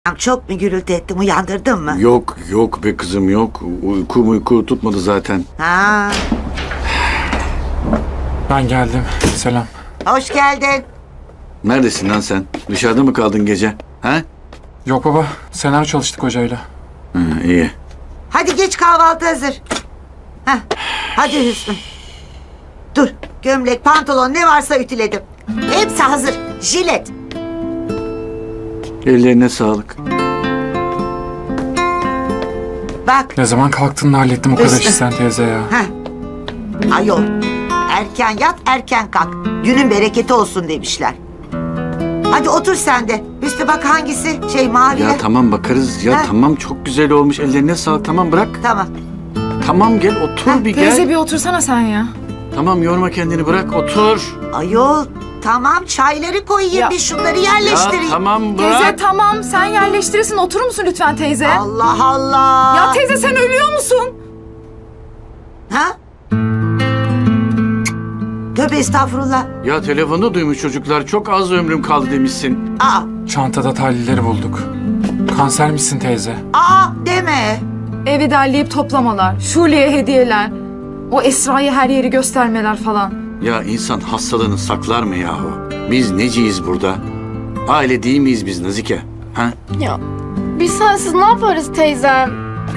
Çok mu gürültü ettim, uyandırdın mı? Yok be kızım yok. Uyku tutmadı zaten. Ha, Ben geldim. Selam. hoş geldin. Neredesin lan sen? Dışarıda mı kaldın gece? Ha? Yok baba. Senaryo çalıştık hocayla. İyi. Hadi geç, kahvaltı hazır. Heh, hadi Hüsnü. Dur, gömlek, pantolon ne varsa ütüledim. Hepsi hazır, jilet. Ellerine sağlık. Bak, Ne zaman kalktın da hallettim o kadar Hüsnü. işi sen teyze ya. ayol. Erken yat, erken kalk. Günün bereketi olsun demişler. Hadi otur sen de. Hüsnü bak hangisi? Mavi. Ya tamam bakarız. Ya Ha. tamam çok güzel olmuş. Ellerine sağlık. Tamam bırak. Tamam. Tamam gel otur bir Teyze gel. bir otursana sen ya. Tamam yorma kendini bırak otur. Ayol, tamam çayları koyayım, Ya. bir şunları Ya yerleştireyim. tamam Teyze bırak. tamam sen yerleştirirsin, oturur musun lütfen teyze? Allah Allah. Ya teyze sen ölüyor musun? Ha? Tövbe estağfurullah. Ya telefonda duymuş çocuklar. Çok az ömrüm kaldı demişsin. Çantada tahlilleri bulduk. Kanser misin teyze? Deme. Evi derleyip toplamalar, Şule'ye hediyeler, o Esra'yı her yeri göstermeler falan. Ya insan hastalığını saklar mı yahu? Biz neciyiz burada? Aile değil miyiz biz Nazike? Ha? Ya biz sensiz ne yaparız teyzem?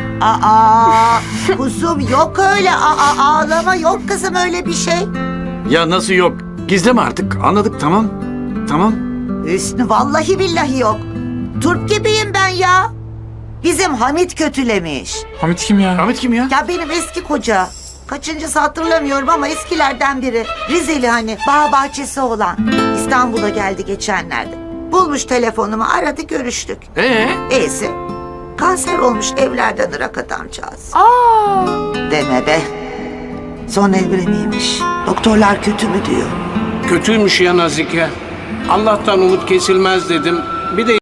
Kuzum yok öyle. Ağlama, yok kızım öyle bir şey. Ya nasıl yok? Gizleme artık. Anladık tamam. Tamam. Hüsnü vallahi billahi yok. Turp gibiyim ben ya. Bizim Hamit kötülemiş. Hamit kim ya? Ahmet kim ya? Ya benim eski koca. Kaçıncısı hatırlamıyorum ama eskilerden biri. Rizeli hani, bağ bahçesi olan. İstanbul'a geldi geçenlerde. Bulmuş telefonumu, aradı, görüştük. Eysi. Kanser olmuş, evlerden ırak adamcağız. Deme be. Son evreniymiş. Doktorlar kötü mü diyor. Kötüymüş ya Nazike. Allah'tan umut kesilmez dedim. Bir de